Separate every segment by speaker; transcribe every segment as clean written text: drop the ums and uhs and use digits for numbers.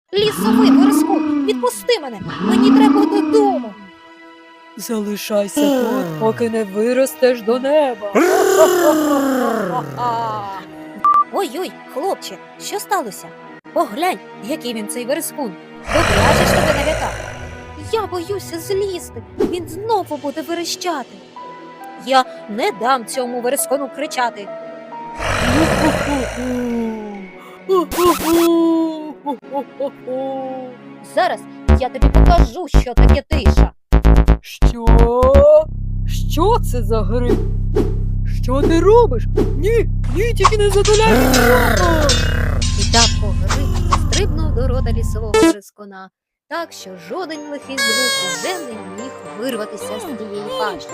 Speaker 1: Лісовий вереску, відпусти мене, мені треба додому.
Speaker 2: Залишайся тут, поки не виростеш до неба.
Speaker 1: Ой-ой, хлопче, що сталося? Поглянь, який він цей верескун. Добряче ж тебе налякав. Я боюся злізти, він знову буде верещати. Я не дам цьому верескону кричати. Зараз я тобі покажу, що таке тиша.
Speaker 2: Що? Що це за гриб? Що ти робиш? Ні, тільки не затуляй нічого!
Speaker 1: І так погриб стрибнув до рота лісового верескона, так що жоден лихий звук уже не міг вирватися з тієї пащі.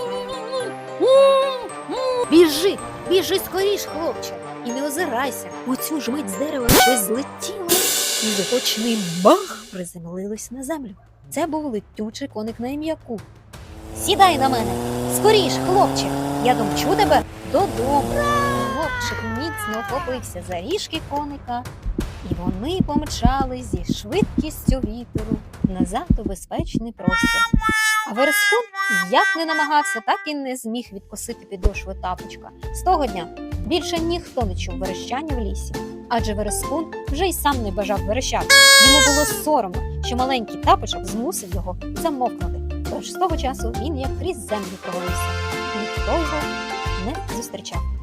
Speaker 1: Біжи скоріш, хлопче, і не озирайся, у цю ж мить з дерева щось злетіло і з гучним бах приземлилось на землю. Це був летючий коник на ім'я Ку. Сідай на мене, скоріш, хлопче, я домчу тебе додому. Хлопчик міцно вхопився за ріжки коника, і вони помчали зі швидкістю вітру назад у безпечний простір. А верескун як не намагався, так і не зміг відкосити підошви тапочка. З того дня більше ніхто не чув верещання в лісі, адже верескун вже й сам не бажав верещати. Йому було соромно, що маленький тапочок змусив його замовкнути. Тож з того часу він як крізь землю провалився. Ніхто його не зустрічав.